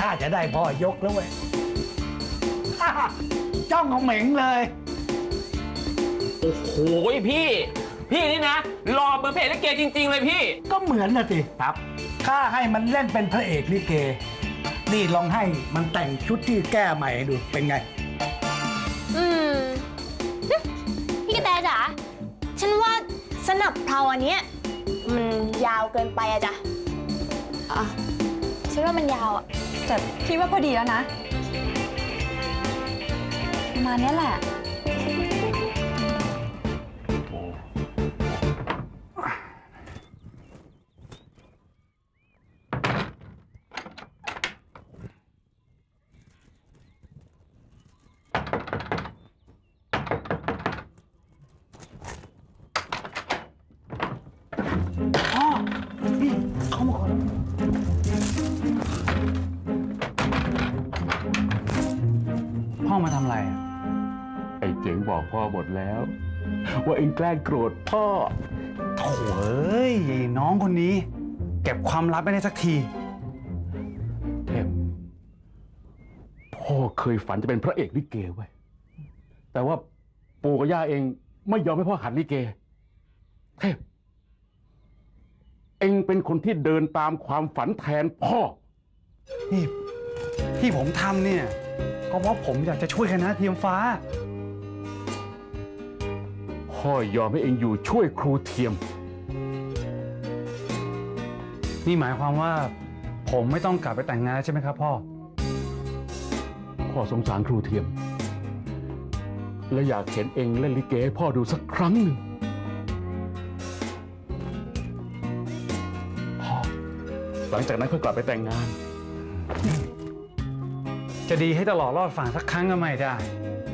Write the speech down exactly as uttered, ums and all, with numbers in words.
จะได้พ่อยกแล้วเว้ย จ้องของเหม่งเลยโอ้โหพี่ พี่นี่นะหล่อเหมือนพระเอกลิเกจริงๆเลยพี่ก็เหมือนนะสิครับข้าให้มันเล่นเป็นพระเอกลิเก นี่ลองให้มันแต่งชุดที่แก้ใหม่ให้ดูเป็นไงอืมพี่กระแตจ๋าฉันว่าสนับเพลาอันเนี้ยมันยาวเกินไปอะจ๊ะอ่ะฉันว่ามันยาวอะแต่พี่ว่าพอดีแล้วนะประมาณนี้แหละพ่อ นี่เข้ามาก่อนพ่อมาทำอะไรอะไอ้เจ๋งบอกพ่อหมดแล้ว ว่าเองแกล้งโกรธพ่อโถ่เอ้ยน้องคนนี้ เก็บความลับไม่ได้สักทีเทพพ่อเคยฝันจะเป็นพระเอกลิเกไว้ยแต่ว่าปู่กับย่าเองไม่ยอมให้พ่อหัดลิเก เทพ เองเป็นคนที่เดินตามความฝันแทนพ่อนี่ที่ผมทำเนี่ยก็เพราะผมอยากจะช่วยคณะเทียมฟ้าพ่อยอมให้เองอยู่ช่วยครูเทียมนี่หมายความว่าผมไม่ต้องกลับไปแต่งงานแล้วใช่ไหมครับพ่อพ่อสงสารครูเทียม และอยากเห็นเองเล่นลิเกให้พ่อดูสักครั้งหนึ่งพ่อหลังจากนั้นค่อยกลับไปแต่งงานจะดีให้ตลอดรอดฝั่งสักครั้งก็ไม่ได้